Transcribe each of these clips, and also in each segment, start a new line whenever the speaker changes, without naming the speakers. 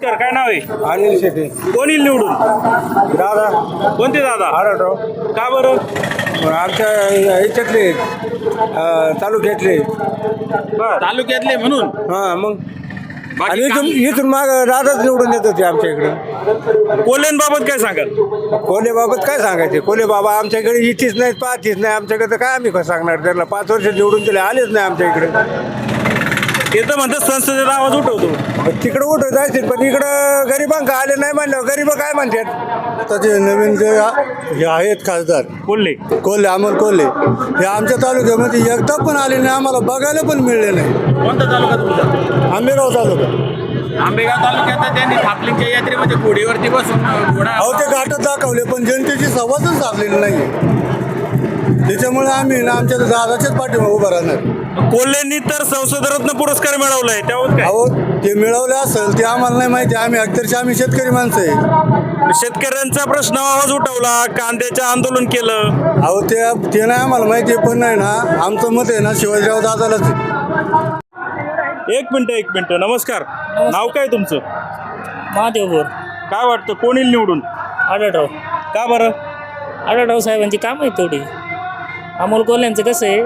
नमस्कार, काय नाव आहे?
अनिल शेटे.
कोण येईल निवडून?
दादा
कोणते दादा?
आढळराव.
का बरं?
आमच्या ह्याच्यातले तालुक्यातले.
तालुक्यातले म्हणून?
हां मग
बाकी
आणि
काम-
इथून माग दादाच निवडून येत होते आमच्या इकडं.
कोल्हेंबाबत काय सांगाल?
कोल्हेबाबत काय सांगायचे? कोल्हे बाबा आमच्याकडे इथेच नाहीत, पाहतीच नाही आमच्याकडे. तर काय आम्ही कसं सांगणार त्यांना? 5 वर्ष निवडून दिले, आलेच नाही आमच्या इकडे.
ते तर म्हणतात संसदेचा आवाज उठवतो.
तिकडं उठत जायचे, पण इकडं गरिबांका आले नाही म्हणल्यावर गरीब काय म्हणतात? आता ते नवीन जे हे आहेत खासदार
कोल्हे
कोल्हे, अमोल कोल्हे, हे आमच्या तालुक्यामध्ये एकदा पण आले नाही, आम्हाला बघायला पण मिळले नाही.
कोणता तालुका तुमचा?
आंबेगाव तालुका.
आंबेगाव तालुक्यात त्यांनी थापलिंगच्या यात्रेमध्ये घोडीवरती बसून घोडा
अहो ते घाटात दाखवले, पण जनतेची संवादच साधलेली नाही. त्याच्यामुळे आम्ही ना आमच्या दादाच्याच पाठीमागे उभं राहणार.
कोल्हेंनी तर संसदरत्न पुरस्कार मिळवलाय, त्यावर काय?
अहो ते मिळवले असेल ते आम्हाला नाही माहिती. आम्ही शेतकरी माणसं आहे.
शेतकऱ्यांचा प्रश्न आवाज उठवला, कांद्याचं आंदोलन केलं.
अहो ते नाही आम्हाला माहिती, पण नाही ना आमचं मत आहे ना शिवाजीराव दादालाच आहे.
एक मिनिट. नमस्कार, नाव काय तुमचं?
महादेव बोर.
काय वाटतं कोण येईल निवडून?
आढळराव.
का बरं?
आढळराव साहेबांची कामं आहेत तेवढी. अमोल कोल्ह्यांचं कसं आहे,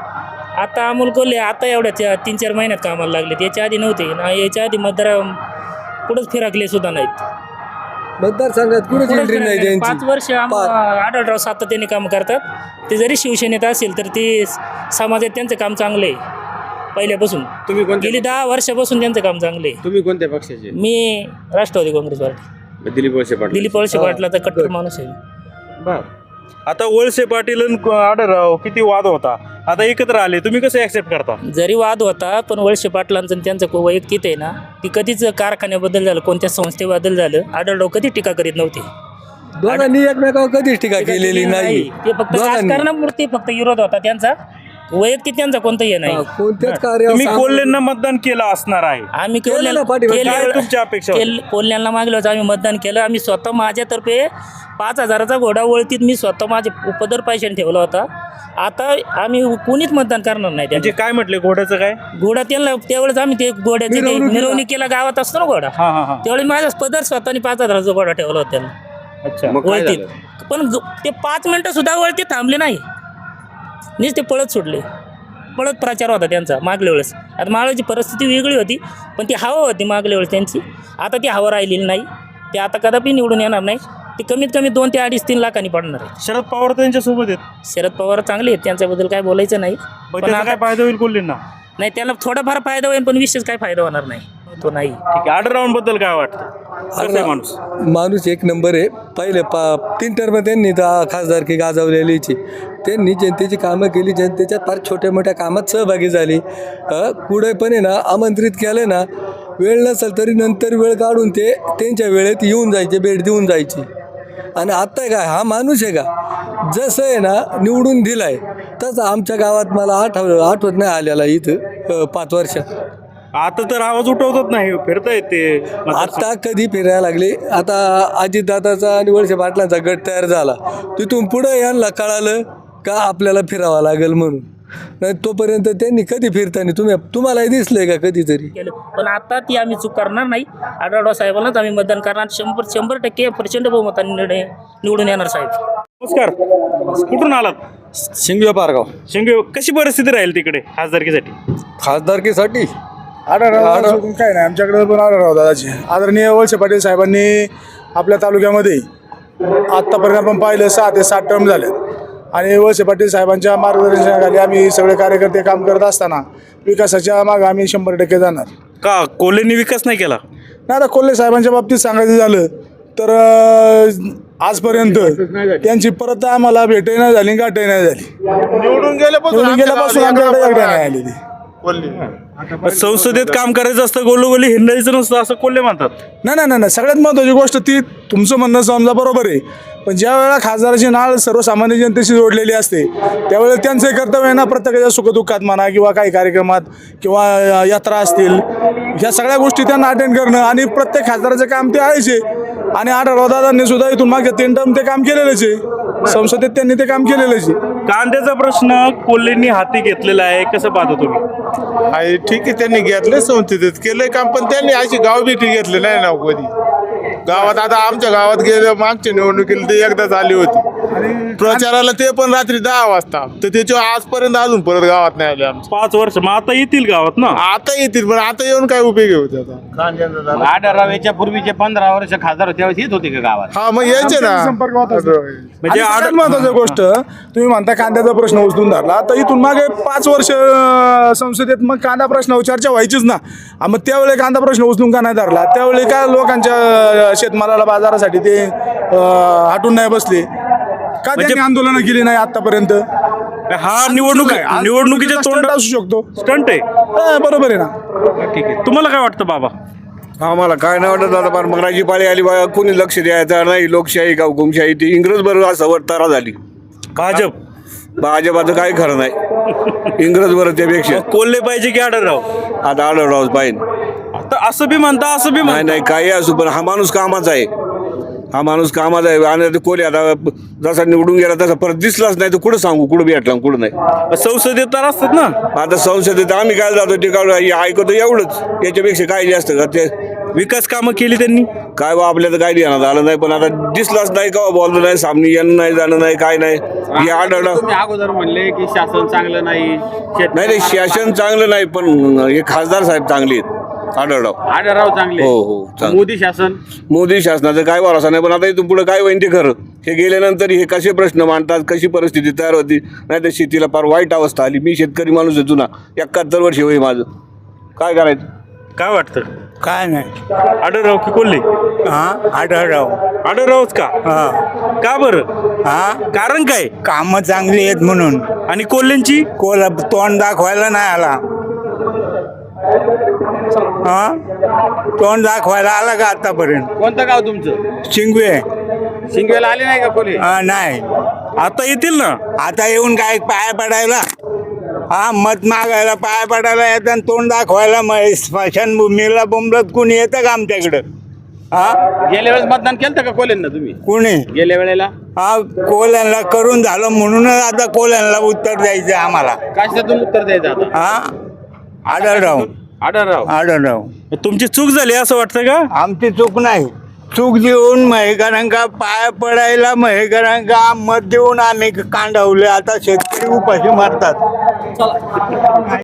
आता अमोल कोल्हे आता एवढ्या 3-4 महिन्यात कामाला लागलेत. याच्या आधी नव्हते ना, याच्या आधी मतदार कुठंच फिरकले सुद्धा नाहीत.
मतदारसंघात कुठेच एंट्री नाही त्यांची.
5 वर्ष आढळराव सातत्याने काम करतात. ते जरी शिवसेनेत असेल तर ते समाजात त्यांचं काम चांगलं आहे पहिल्यापासून.
तुम्ही
गेली 10 वर्षापासून त्यांचं काम चांगलं आहे.
तुम्ही कोणत्या पक्षाचे?
मी राष्ट्रवादी काँग्रेस पार्टी.
दिलीप वळसे पाटील.
दिलीप वळसे पाटलाचा कट्टर माणूस आहे.
आता वळसे पाटील आणि आढळराव किती वाद होता, आता एकत्र आले, तुम्ही कसं ऍक्सेप्ट करता?
जरी वाद होता, पण वळसे पाटलांचं आणि त्यांचं वैयक्तिक आहे ना, ती कधीच कारखान्याबद्दल झालं, कोणत्या संस्थेबद्दल झालं, आढळराव कधी टीका करीत नव्हते.
दोघांनी एकमेकावर कधीच टीका केलेली नाही.
ते फक्त राजकारणापुरती फक्त विरोध होता त्यांचा, वैयक्तिक त्यांचा कोणताही नाही.
कोणत्याच
तुम्ही
कार्य
कोल्हेंना मतदान केलं असणार आहे.
आम्ही
केलं ना पाठीमागे.
काय तुमच्या अपेक्षा होत्या?
कोल्ह्यांना मागलो होतो, आम्ही मतदान केलं. आम्ही स्वतः माझ्यातर्फे 5,000चा घोडा वळतीत मी स्वतः माझे उपदर पैशाने ठेवला होता. आता आम्ही कोणीच मतदान करणार नाही.
म्हणजे काय म्हटले घोड्याचं काय?
घोडा त्यांना त्यावेळेस आम्ही ते घोड्याची मिरवणुकीला गावात असतो ना घोडा,
हा.
त्यावेळी माझा पदर स्वतःने 5,000चा घोडा ठेवला होता त्यांना
अच्छा.
वळतीत. पण ते 5 मिनिटं सुद्धा वळतीत थांबले नाही, नीच ते पळत सुटले. पळत प्रचार होता त्यांचा मागल्या वेळेस. आता मागल्याची परिस्थिती वेगळी होती, पण ती हवा होती मागल्या वेळेस त्यांची. आता ती हवा राहिलेली नाही. ते आता कदापि निवडून येणार नाही. ते कमीत कमी 2 ते 2.5-3 लाखांनी पडणार आहे.
शरद पवार त्यांच्या सोबत आहेत.
शरद पवार चांगले आहेत, त्यांच्याबद्दल काय बोलायचं नाही.
पण
पण
त्याचा
आता
काय फायदा होईल कोल्हेंना?
नाही, त्यांना थोडाफार फायदा होईल, पण विशेष काय फायदा होणार नाही. तो नाही.
ठीक आहे. आढळरावांबद्दल काय वाटतं? कसं आहे माणूस?
माणूस एक नंबर आहे. पहिले 3 टर्म त्यांनी खासदारकी गाजवलेलीची. त्यांनी जनतेची कामं केली, जनतेच्या फार छोट्या मोठ्या कामात सहभागी झाली. पुढे पण आहे ना आमंत्रित केलं ना, वेळ नसेल तरी नंतर वेळ काढून ते त्यांच्या वेळेत येऊन जायचे, भेट देऊन जायची. आणि आत्ता काय हा माणूस आहे का, जसं आहे ना निवडून दिलाय तसं आमच्या गावात मला आठवत नाही आलेला इथं 5 वर्षात.
आता तर आवाज उठवतात नाही, फिरतायत ते.
आता कधी फिरायला लागले. आता अजितदादाचा आणि वळसे पाटलांचा गट तयार झाला, तिथून पुढं यांना कळालं का आपल्याला फिरावं लागेल म्हणून. नाही तोपर्यंत त्यांनी कधी फिरताना तुम्हालाही दिसलंय का कधीतरी?
केलं. पण आता ती आम्ही चूक करणार नाही. आढळराव साहेबांनाच आम्ही मतदान करणार. 100% प्रचंड बहुमताने निवडून येणार साहेब.
नमस्कार, कुठून आलात?
शिंगवे पारगाव.
शिंगे. कशी परिस्थिती राहील तिकडे खासदारकीसाठी?
खासदारकीसाठी
आढळराव काय नाही आमच्याकडे, पण आढळराव दादाचे आदरणीय वळसे पाटील साहेबांनी आपल्या तालुक्यामध्ये आत्तापर्यंत आपण पाहिलं 6 ते 7 टर्म झाले. आणि वळसे पाटील साहेबांच्या मार्गदर्शनाखाली आम्ही सगळे कार्यकर्ते काम करत असताना विकासाच्या मागे आम्ही 100% जाणार.
का कोल्हेंनी विकास नाही केला?
नाही, आता कोल्हे साहेबांच्या बाबतीत सांगायचं झालं तर आजपर्यंत त्यांची परत आम्हाला भेटही नाही झाली, गाठही नाही झाली. निवडून गेल्यापासून आमच्याकडे एकदा नाही आलेली.
संसदेत काम करायचं असतं, गोलोगोली हिंडायचं नसतं असं कोल्हे म्हणतात.
नाही, सगळ्यात महत्त्वाची गोष्ट ती तुमचं म्हणणं समजा बरोबर आहे, पण ज्या वेळेला खासदाराची नाळ सर्वसामान्य जनतेशी जोडलेली असते त्यावेळेला त्यांचं कर्तव्य आहे ना, प्रत्येकाच्या सुखदुःखात म्हणा किंवा काही कार्यक्रमात किंवा यात्रा असतील, ह्या सगळ्या गोष्टी त्यांना अटेंड करणं. आणि प्रत्येक खासदाराचं काम ते आहेच आहे. आणि आढळराव दादांनी सुद्धा इथून मागच्या 3 टर्म ते काम केलेलंच आहे. संसदेत त्यांनी ते काम केलेलंच आहे.
कांद्याचा प्रश्न कोल्हेंनी हाती घेतलेला आहे, कसं पाहता तुम्ही?
आहे ठीक आहे, त्यांनी घेतले संसदेत केलंय काम, पण त्यांनी अशी गाव भेटी घेतली नाही ना कधी गावात. आता आमच्या गावात गेल्या मागच्या निवडणुकीला ते एकदाच आली होती प्रचाराला, ते पण रात्री 10 वाजता. तर त्याच्या आजपर्यंत अजून परत गावात नाही आले आमच्या.
5 वर्ष मग आता येतील गावात ना?
आता येतील, पण आता येऊन काय उपयोग होते आता?
आढळराव पूर्वीचे 15 वर्ष खासदार होते त्यावेळेस येत होते का गावात?
हा, मग यायचे ना.
संपर्क होताच.
म्हणजे
आणि सगळ्यात महत्वाची गोष्ट, तुम्ही म्हणता कांद्याचा प्रश्न उचलून धरला, तर इथून मागे 5 वर्ष संसदेत मग कांदा प्रश्नावर चर्चा व्हायचीच ना. मग त्यावेळी कांदा प्रश्न उचलून का नाही धरला? त्यावेळी काय लोकांच्या शेतमालाला बाजारासाठी ते हटून नाही बसले का? त्यांनी आंदोलनं केली नाही आतापर्यंत?
हा निवडणुकीच्या तोंड
असू शकतो,
स्टंट आहे.
बरोबर आहे ना.
ठीक आहे, तुम्हाला काय वाटतं बाबा?
आम्हाला काय नाही वाटत आता, पण मग पाळी आली बा, कोणी लक्ष द्यायचं नाही. लोकशाही का हुकुमशाही, ती इंग्रज बरोबर असं तारा झाली. भाजपाचं काही खरं नाही, इंग्रज बरोबर त्यापेक्षा.
कोल्हे पाहिजे की आढळराव?
आता आढळराव पाहिजे.
आता असं बी म्हणता, असं बी
नाही
म्हणता.
नाही काही असू, पण हा माणूस कामाचा आहे. हा माणूस कामाचा आहे. आणि कोल्हे आता जसा निवडून गेला तसा परत दिसलाच नाही, तर कुठं सांगू, कुठं भेटला कुठं नाही.
संसदेत तर असतात ना.
आता संसदेत आम्ही काय जातो ते काय ऐकतो एवढंच, याच्यापेक्षा काय जास्त का ते
विकास कामं केली त्यांनी.
काय बा आपल्याला काय ध्यानात आलं नाही, पण आता दिसलाच नाही का बोललं नाही, सामने येणं नाही, जाणं नाही, काय नाही. हे आढळलं.
तुम्ही अगोदर म्हणले की शासन चांगलं नाही,
नाही शासन चांगलं नाही, पण हे खासदार साहेब चांगले आहेत. आढळराव
चांगले.
हो हो चांगले.
मोदी शासन
मोदी शासनाचं काय भरोसा नाही, पण आता इथून पुढे काय होईल ते खरं. हे गेल्यानंतर हे कसे प्रश्न मांडतात, कशी परिस्थिती तयार होती. नाही तर शेतीला फार वाईट अवस्था आली. मी शेतकरी माणूस आहे जुना, 71 वर्ष होई माझं. काय करायचं?
काय वाटतं?
काय नाही.
आढळराव की कोल्हे? आढळरावच का? का बरं? कारण काय?
कामं चांगली आहेत म्हणून.
आणि कोल्हेंची?
कोला तोंड दाखवायला नाही आला. तोंड दाखवायला आला का आतापर्यंत?
कोणतं गाव तुमचं?
शिंगवे.
शिंगवेला आले नाही का कोल्हे?
नाही.
आता येतील ना.
आता येऊन काय पाया पडायला? मत मागायला पाया पडायला येतं आणि तोंड दाखवायला स्मशानभूमीला बोंबलत कुणी येतं का आमच्याकडं?
गेल्या वेळेस मतदान केलं का कोल्हेंना तुम्ही?
कुणी?
गेल्या वेळेला
कोल्यांना करून झालं म्हणूनच आता कोल्यांना उत्तर द्यायचं आम्हाला.
कशातून उत्तर द्यायचं आता?
आढळराव.
तुमची चूक झाली असं वाटतं का?
आमची चूक नाही. चूक देऊन महेकरांका पाया पडायला महेकरांका मत देऊन आम्ही कांडावले. आता शेतकरी उपाशी मारतात.